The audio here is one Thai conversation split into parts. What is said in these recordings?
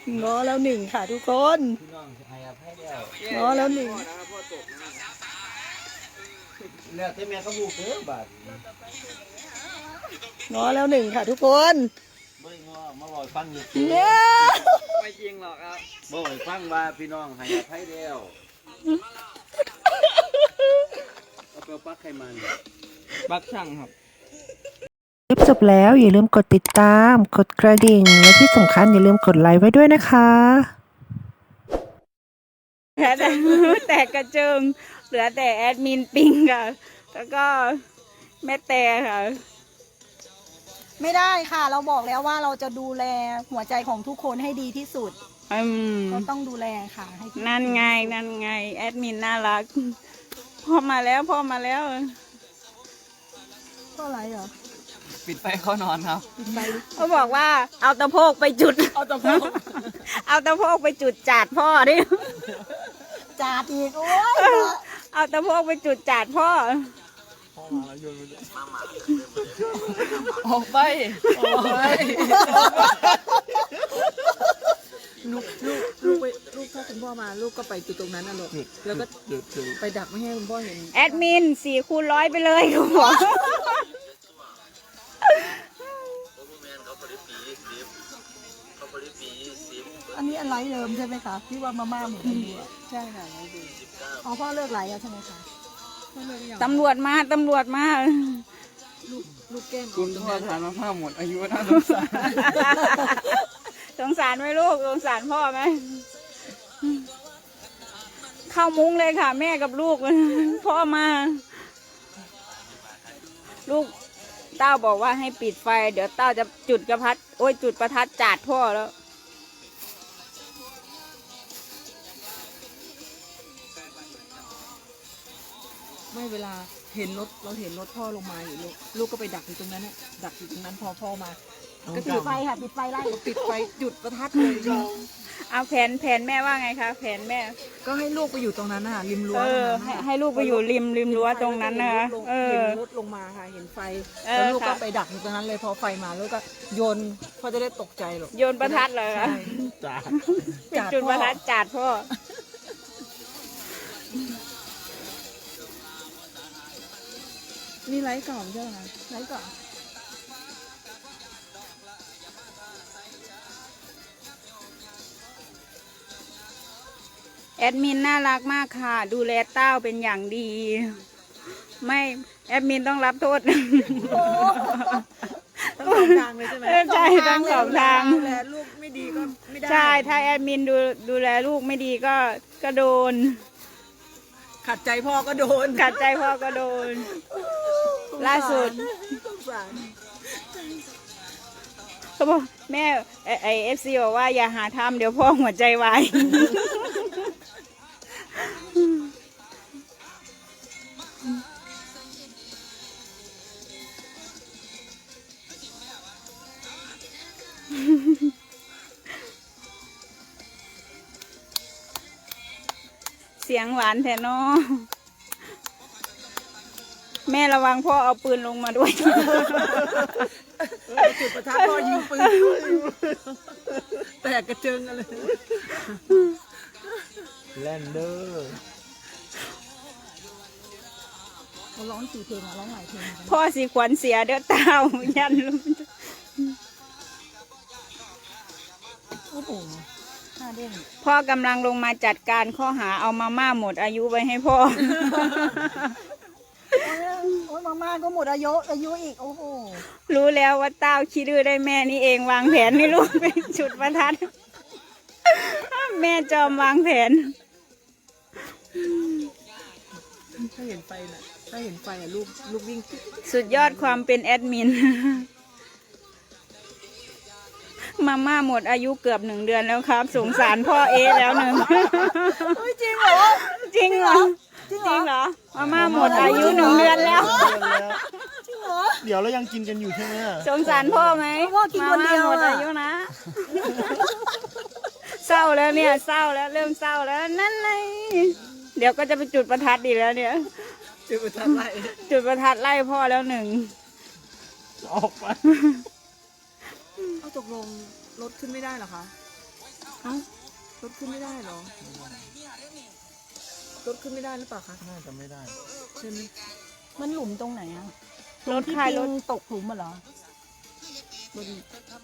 ง้อแล้วหนึ่งค่ะทุกคนพี่น้องให้อภัยแล้วง้อแล้วหนึ่งแล้วแต่แม่ก็บุกเด้อบาดง้อแล้วหนึ่งค่ะทุกคนบ่ได้ง้อมาบอกฟังอยู่เนี่ยไม่จริงหรอกครับบอกให้ฟังว่าพี่น้องให้อภัยแล้วเอาไปปักให้มันบักช่างครับคลิปจบแล้วอย่าลืมกดติดตาม กดกระดิ่ง และที่สำคัญอย่าลืมกดไลค์ไว้ด้วยนะคะแต่กระเจิงเหลือแต่แอดมินปิงค่ะ แล้วก็แม่แต่ค่ะ ไม่ได้ค่ะ เราบอกแล้วว่าเราจะดูแลหัวใจของทุกคนให้ดีที่สุดก็ต้องดูแลค่ะให้นั่นไงแอดมินน่ารักพ่อมาแล้วพ่อมาแล้วพ่ออะไรเหรอปิดไฟเข้านอนครับเขาบอกว่าเอาตะโพกไปจุด เอาตะโพก เอาตะโพกไปจุดจาดพ่อดิจาดอีกโอ้ยเอาตะโพกไปจุดจาดพ่อออกไปออกไปลูกถ้าคุณพ่อมาลูกก็ไปจุดตรงนั้นน่ะลูกแล้วก็ไปดักไม่ให้คุณพ่อเห็นแอดมิน4x100ไปเลยคุณหมอ อันนี้อะไรเดิมใช่ไหมคะที่ว่ามาม่าหมูอายุใช่ค่ะไม่ดีอ๋อพ่อเลิกไหลแล้วใช่ไหมคะพ่อเลิกหรือยังตำรวจมาลูกแก้มคุณพ่อทานมะพร้าวหมดอายุน่าสงสารสงสารไหมลูกสงสารพ่อไหมเข้ามุ้งเลยค่ะ แม่กับลูก พ่อมา ลูกเต้าบอกว่าให้ปิดไฟ เดี๋ยวเต้าจะจุดจุดประทัดจาดพ่อแล้วไม่เวลาเห็นรถเราเห็นรถพ่อลงมาอยู่ลูกก็ไปดักอยู่ตรงนั้นน่ะดักอยู่ตรงนั้นพอพ่อมาก็ปิดไฟค่ะปิดไฟไล่ปิดไฟจุดประทัดเลยเอาแผนแม่ว่าไงคะแผนแม่ก็ให้ลูกไปอยู่ตรงนั้นน่ะริมรั้วให้ลูกไปอยู่ริมรั้วตรงนั้นนะคะเห็นรถลงมาค่ะเห็นไฟแล้วลูกก็ไปดักอยู่ตรงนั้นเลยพอไฟมาลูกก็โยนพ่อจะได้ตกใจหรอกโยนประทัดเลยคะจ้าปิดจุดประทัดจาดพ่อนี่ไลฟ์ก่อนใช่ไหมไลฟ์ก่อนแอดมินน่ารักมากค่ะ ดูแลเต้าเป็นอย่างดี ไม่แอดมินต้องรับโทษต้องสองทางเลยใช่ไหมใช่ต้องสองทางดูแลลูกไม่ดีก็ไม่ได้ใช่ถ้าแอดมินดูแลลูกไม่ดีก็โดนขัดใจพ่อก็โดนขัดใจพ่อก็โดน ล่าสุดสงสารเขาบอกแม่FC บอกว่าอย่าหาทำเดี๋ยวพ่อหัวใจวาย เสียงหวานแท้เนาะแม่ระวังพ่อเอาปืนลงมาด้วยจุดประทัดพ่อยิงปืนแตกกระเจิงกันเลยแลนเดอร์เขาร้อง4 เพลงร้องหลายเพลงพ่อสีขวัญเสียเด้อเต้ายันลุงโอ้โหหน้าเด้งพ่อกำลังลงมาจัดการข้อหาเอามาม่าหมดอายุไว้ให้พ่อโอ้ยมาม่าก็หมดอายุอีกโอ้โหรู้แล้วว่าเต้าขี้ดื้อได้แม่นี่เองวางแผนให้ลูกเป็นจุดประทัด แม่จอมวางแผนถ้าเห็นไฟน่ะถ้าเห็นไฟอ่ะลูกวิ่งสุดยอดความเป็นแอดมิน มาม่าหมดอายุเกือบ1 เดือนแล้วครับ สงสารพ่อแล้วหนึ่งจริงเหรอจริงเหรอ จริงเหรอ มาม่าหมดอายุ1 เดือนแล้วเดี๋ยวเรายังกินกันอยู่ใช่ไหมสงสารพ่อไหมพ่อกินคนเดียวมาม่าหมดอายุนะ เศร้าแล้วเนี่ยเศร้าแล้วเริ่มเศร้าแล้วนั่นไงเดี๋ยวก็จะไปจุดประทัดอีกแล้วเนี่ยจุดประทัดไล่จุดประทัดไล่พ่อแล้ว1 ออกไปเอาตกลงรถขึ้นไม่ได้เหรอคะเอ้ารถขึ้นไม่ได้เหรอรถขึ้นไม่ได้หรือเปล่าคะน่าจะไม่ได้ใช่ไหมมันหลุมตรงไหนอะรถที่ใครรรถถตกหลุมเหรอบน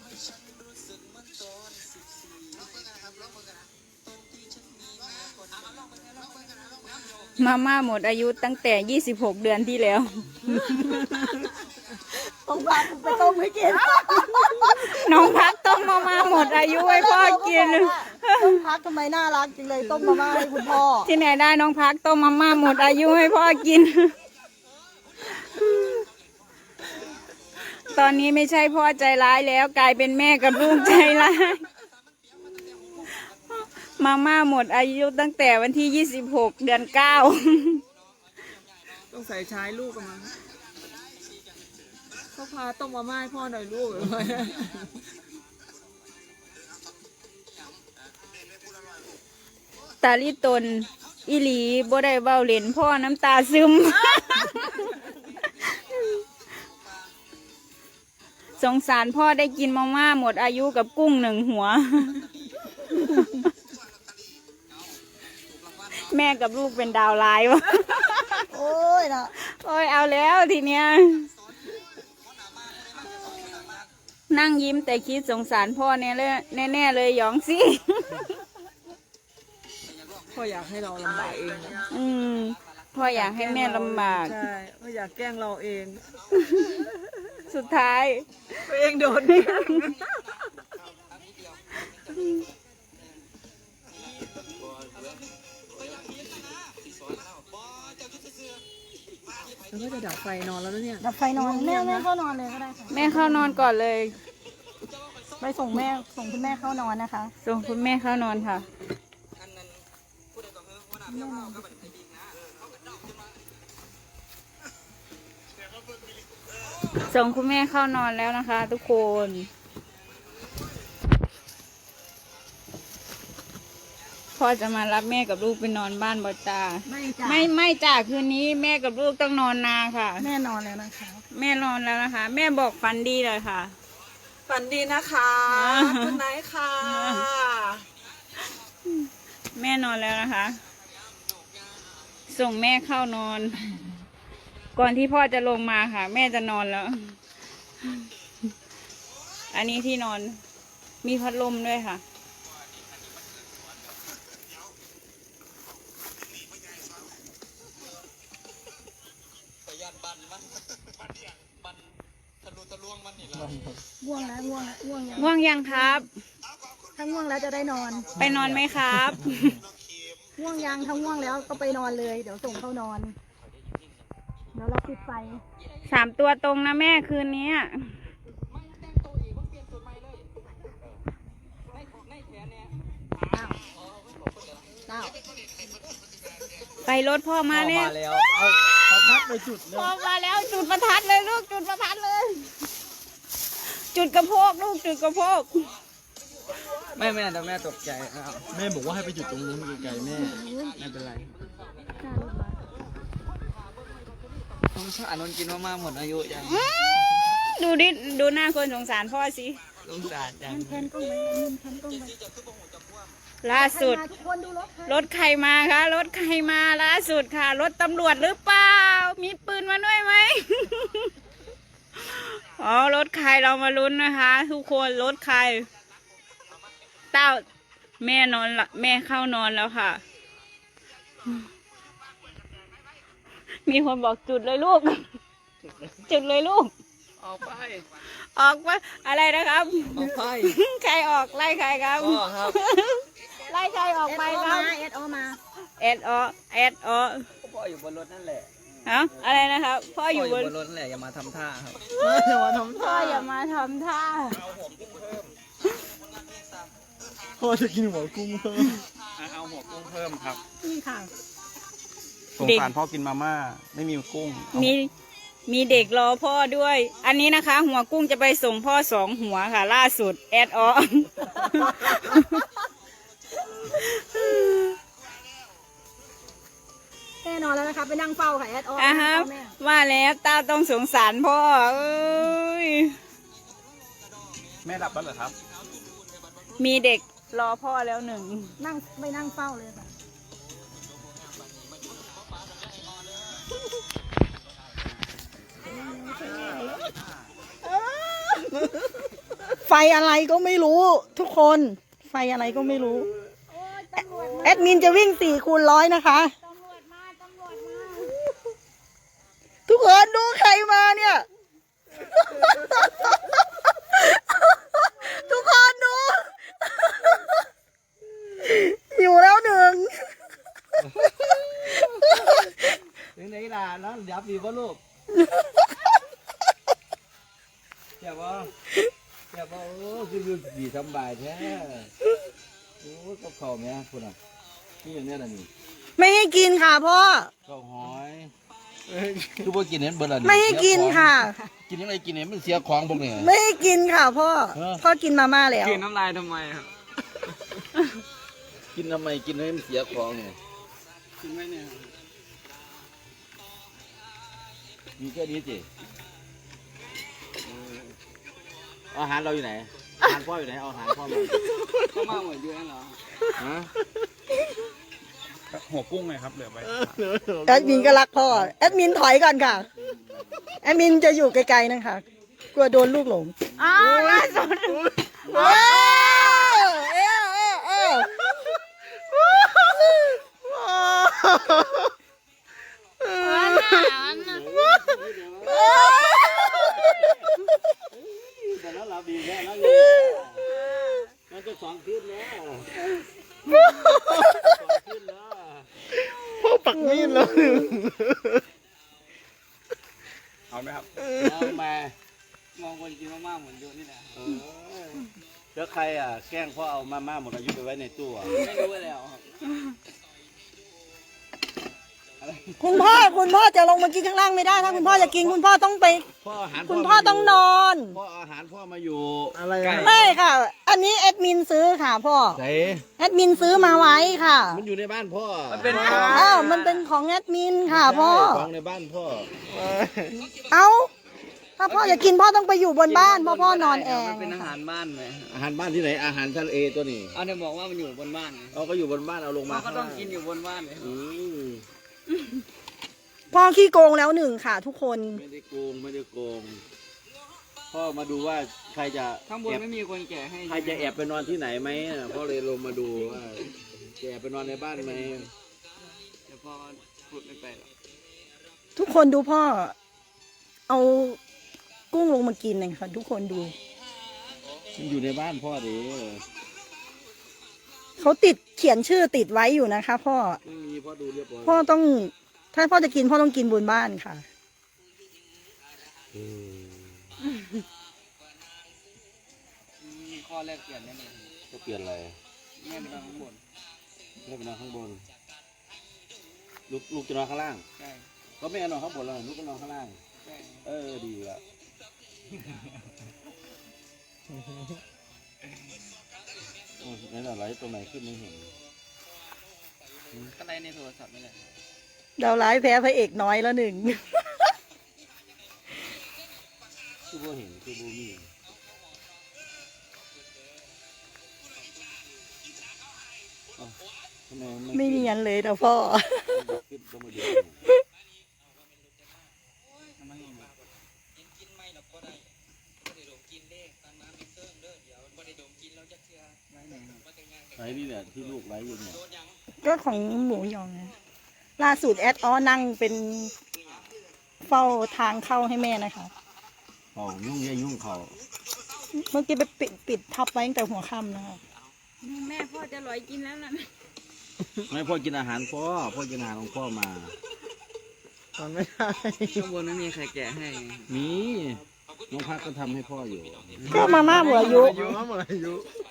มาม่าหมดอายุตั้งแต่ 26 เดือนที่แล้วต้องพาไปต้มให้กินน้องพักต้มมาม่าหมดอายุให้พ่อกินต้องพักทำไมน่ารักจังเลยต้มมาม่าให้คุณพ่อที่ไหนได้น้องพักต้มมาม่าหมดอายุให้พ่อกิน ตอนนี้ไม่ใช่พ่อใจร้ายแล้วกลายเป็นแม่กับลูกใจร้าย มาม่าหมดอายุตั้งแต่วันที่ 26 เดือน 9 ต้องใส่ชายลูกกันมั้งเขาพาต้มมาม่าให้พ่อหน่อยลูกตาลิตนอีหลีบ่ได้เบ้าเล่นพ่อน้ำตาซึม สงสารพ่อได้กินมาม่าหมดอายุกับกุ้ง 1 หัว แม่กับลูกเป็นดาวร้ายวะโอ้ยนะโอ้ยเอาแล้วทีเนี้ย นั่งยิ้มแต่คิดสงสารพ่อเนี่ยเลยแน่ๆเลยหยองสิพ่ออยากให้เราลำบากเองนะพ่ออยากให้แม่ลำบากใช่พ่ออยากแกล้งเราเองสุดท้ายตัวเองโดนแล้วก็จะดับไฟนอนแล้วนะเนี่ยดับไฟนอนแม่เข้านอนเลยก็ได้ค่ะแม่เข้านอนก่อนเลย ไปส่งคุณแม่เข้านอนนะคะ ส่งคุณแม่เข้านอนค่ะ ส่งคุณแม่เข้านอนแล้วนะคะ ทุกคนพ่อจะมารับแม่กับลูกไปนอนบ้านบอจ้าไม่จ้ะไม่จ้าคืนนี้แม่กับลูกต้องนอนนาค่ะแม่นอนแล้วนะคะแม่นอนแล้วนะคะ แม่บอกฝันดีเลยค่ะฝันดีนะคะ คุณนายค่ะแม่นอนแล้วนะคะ ส่งแม่เข้านอน ก่อนที่พ่อจะลงมาค่ะ แม่จะนอนแล้ว อันนี้ที่นอนมีพัดลมด้วยค่ะง่วงแล้วง่วงแล้วง่วงยังง่วงยังครับถ้าง่วงแล้วจะได้นอนไปนอนไหมครับง่วงยังถ้าง่วงแล้วก็ไปนอนเลย เดี๋ยวส่งเข้านอน เดี๋ยวเราปิดไฟ 3 ตัวตรงนะแม่คืนนี้เก้าไปรถพ่อมาเนี่ยมาแล้ว เอาพัดไปจุดเลยพ่อมาแล้วจุดประทัดเลยลูกจุดประทัดเลย จุดกระโพกลูกจุดกระโพกแม่แต่แม่ตกใจครับแม่บอกว่าให้ไปจุดตรงนู้นไกลๆแม่ไม่เป็นไรสงสารนนกินมากๆหมดอายุจังดูดิดูหน้าคนสงสารพ่อสิสงสารจังแทนกล้องไว้ยืนแทนกล้องไว้ล่าสุดมาทุกคนดูรถค่ะรถใครมาคะรถใครมาล่าสุดค่ะ รถตำรวจหรือเปล่า มีปืนมาด้วยไหม อ๋อรถใครเรามาลุ้นนะคะ ทุกคนรถใครเต้าแม่นอนละแม่เข้านอนแล้วค่ะ มีคนบอกจุดเลยลูก จุดเลยลูกออกไปออกมาอะไรนะครับออกไปใครออกไล่ใครครับพ่อครับไล่ใครออกเอสไปโอครัมาบเอสโอมาเอสอเอสอพ่ออยู่บนรถนั่นแหละฮะอะไรนะครับพ่อพ่อออยู่ยู่บบ นนรถนั่นแหละอย่ามาทำท่าครับอย่ามาทำพ่อท่าอย่ามาทำท่าพ่อจะกินหัวกุ้งเพิ่มเอาหัวกุ้งเพิ่มครับนี่ค่ะสงสารพ่อกินมาม่า ไม่มีกุ้งเอามีเด็กรอพ่อด้วย อันนี้นะคะ หัวกุ้งจะไปส่งพ่อ2 หัวค่ะ ล่าสุดแอดออแน่นอนแล้วนะคะ ไปนั่งเฝ้าค่ะเอสโออ่ะฮะแม่ว่าแล้วตาต้องสงสารพ่อเอ้ยแม่หลับแล้วเหรอครับมีเด็กรอพ่อแล้วหนึ่งนั่งไม่นั่งเฝ้าเลยค่ะไฟอะไรก็ไม่รู้ ทุกคน ไฟอะไรก็ไม่รู้ แอดมินจะวิ่ง4x100นะคะ ทุกคนดูใครมาเนี่ย ทุกคนดู อยู่แล้วหนึ่งถึงไหนล่ะน้องยับดีป่ะลูกเจ็บป่ะเจ็บป่ะโอ้คือดีสบายแท้โอ้ก็เข่าแม่คุณอ่ะนี่อย่างนี้น่ะนี่ไม่ให้กินค่ะพ่อข้าวหอยคือพวกกินเห็นเบิร์ดละไม่ให้กินค่ะกินยังไงกินเห็นมันเสียของพวกนี้ไม่ให้กินค่ะพ่อ พ่อกินมาม่าแล้วกินน้ำลายทำไมครับกินทำไมกินให้มันเสียของเนี่ยกินไหมเนี่ยมีแค่นี้สิอาหารเราอยู่ไหนอาหารพ่ออยู่ไหนเอาอาหารพ่อมาก็มาหมดเยอะเหรอฮะหัวกุ้งไงครับเหลือไปแอดมินก็รักพ่อ แอดมินถอยก่อนค่ะ แอดมินจะอยู่ไกลๆนะคะ กลัวโดนลูกหลง อ้าวล่าสุดว้าวเอ้แต่แล้วเราดีแค่นั้นมันจะสองขึ้นแล้วพ่อปักมีดแล้วเอาไหมครับเอามามองคนกินมากๆเหมือนเยอะนี่แหละแล้วใครอ่ะแกล้งพ่อเอามาม่าหมดอายุไปไว้ในตู้อ่ะไม่รู้แล้วครับคุณพ่อจะลงมากินข้างล่างไม่ได้ ถ้าคุณพ่อจะกินคุณพ่อต้องไปพ่ออาหารคุณพ่อต้องนอนพ่ออาหารพ่อมาอยู่อะไรไม่ค่ะ อันนี้แอดมินซื้อค่ะพ่อไหนแอดมินซื้อมาไว้ค่ะมันอยู่ในบ้านพ่อมันเป็นของอ้าวมันเป็นของแอดมินค่ะพ่อของในบ้านพ่อเอาถ้าพ่อจะกินพ่อต้องไปอยู่บนบ้านเพราะพ่อนอนแอมัร์นเป็นอาหารบ้านไหมอาหารบ้านที่ไหนอาหารทะเลตัวนี้เอาเนี่ยบอกว่ามันอยู่บนบ้านไงเราก็อยู่บนบ้านเอาลงมาเราก็ต้องกินอยู่บนบ้านเลยอืมพ่อขี้โกงแล้วหนึ่งค่ะ ทุกคนไม่ได้โกงไม่ได้โกงพ่อมาดูว่าใครจะข้างบนแอบไม่มีคนแก่ให้ใครจะแอบไปนอนที่ไหนไหมพ่อเลยลงมาดูว่าจะแอบไปนอนในบ้านไหมเดี๋ยวพอพูดไม่ไปหรอกทุกคนดูพ่อ เอากุ้งลงมากินเลยค่ะ ทุกคนดูมันอยู่ในบ้านพ่อดิเขาเขียนชื่อติดไว้อยู่นะคะพ่อไม่มีพ่อดูเรียบร้อยพ่อต้อง ถ้าพ่อจะกินพ่อต้องกินบนบ้านค่ะมีข้อแรกเปลี่ยนแน่เลยจะเปลี่ยนอะไรแม่ไปนอนข้างบนให้ไปนอนข้างบนลูกจะนอนข้างล่างใช่ก็ไม่เอานอนข้างบนแล้วลูกก็นอนข้างล่างใช่ดีละนั่นอะไรตรงไหนขึ้นไม่เห็นก็ไล่ในโทรศัพท์นี่แหละดาวร้ายแพ้พระเอกน้อยแล้วหนึ่งคือบ่เห็นคือบ่มีอ้าวทำไมมันไม่เนียนเลยนะพ่อขึ้นต้องมาดูทำไมไม่มีไอ้นี่เนี่ยที่ลูกไว้อยู่เนี่ยก็ของหมูยองนะล่าสุดแอดนั่งเป็นเฝ้าทางเข้าให้แม่นะคะเขายุ่งแย่ยุ่งเขาเมื่อกี้ไปปิดทับไว้ตั้งแต่หัวค่ำนะคะแม่พ่อจะลอยกินแล้วนะไม่พ่อกินอาหารพ่อกินอาหารของพ่อมาตอนไม่ได้ข้างบนไม่มีใครแก่ให้มีน้องพักก็ทำให้พ่ออยู่ก็มาม่าหมดอายุหมดอายุ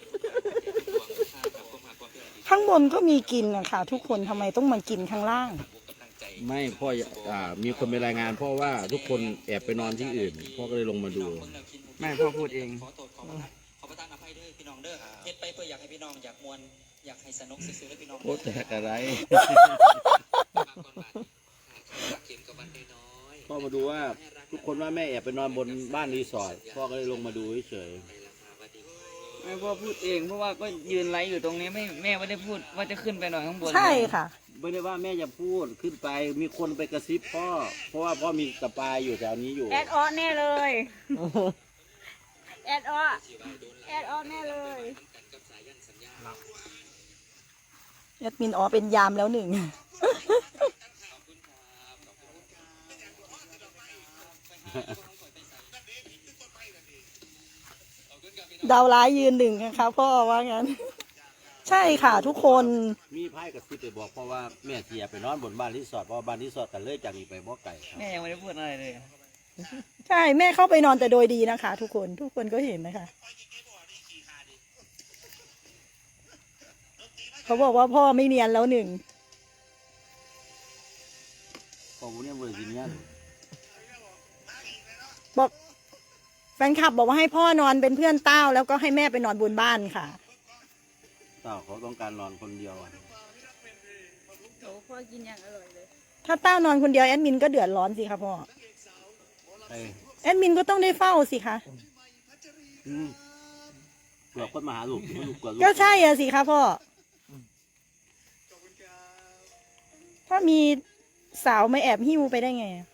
ข้างบนก็มีกินนะคะทุกคนทำไมต้องมากินข้างล่างไม่พ่อมีคนไปรายงานพ่อว่าทุกคนแอบไปนอนที่อื่น พ่อก็เลยลงมาดูแม่พ่อพูดเองขอประทานอภัยเด้อพี่น้องเด้อเฮ็ดไปเพื่ออยากให้พี่น้องอยากมวนอยากให้สนุกซื่อๆและพี่น้องโอ้แตกอะไร พ่อมาดูว่าทุกคนว่าแม่แอบไปนอนบนบ้านรีสอร์ทพ่อก็เลยลงมาดูเฉยแม่พ่อพูดเองเพราะว่าก็ยืนไลฟ์อยู่ตรงนี้แม่ไม่ได้พูดว่าจะขึ้นไปนอนข้างบนใช่ค่ะไม่ได้ว่าแม่จะพูดขึ้นไปมีคนไปกระซิบพ่อเพราะว่าพ่อมีสปายอยู่แถวนี้อยู่แอดออแน่เลย แอดออแน่เลยแอดมินอ๋อเป็นยามแล้วหนึ่ง ดาวร้ายยืนหนึ่งนะคะพ่อว่างั้น ใช่ค่ะทุกคนมีไพ่กระซิบไปบอกเพราะว่าแม่เสียไปนอนบนบ้านรีสอร์ทเพราะว่าบ้านรีสอร์ทกันเลยจากนี้ไปบ่ไก่ครับแม่ยังไม่ได้พูดอะไรเลยใช่แม่เข้าไปนอนแต่โดยดีนะคะ ทุกคนก็เห็นนะคะเขาบอกว่าพ่อไม่เนียนแล้วหนึ่งของพวกนี้บริษัทนี้บอกแฟนคลับบอกว่าให้พ่อนอนเป็นเพื่อนเต้าแล้วก็ให้แม่ไปนอนบนบ้านค่ะเต่าเขาต้องการนอนคนเดียวอะถ้าเต้านอนคนเดียวแอดมินก็เดือดร้อนสิคะพ่อไอ้แอดมินก็ต้องได้เฝ้าสิคะเผื่อคนมาหาลูกลูกกลัวลูกก็ใช่อะสิคะพ่อถ้ามีสาวมาแอบหิ้วไปได้ไงอะ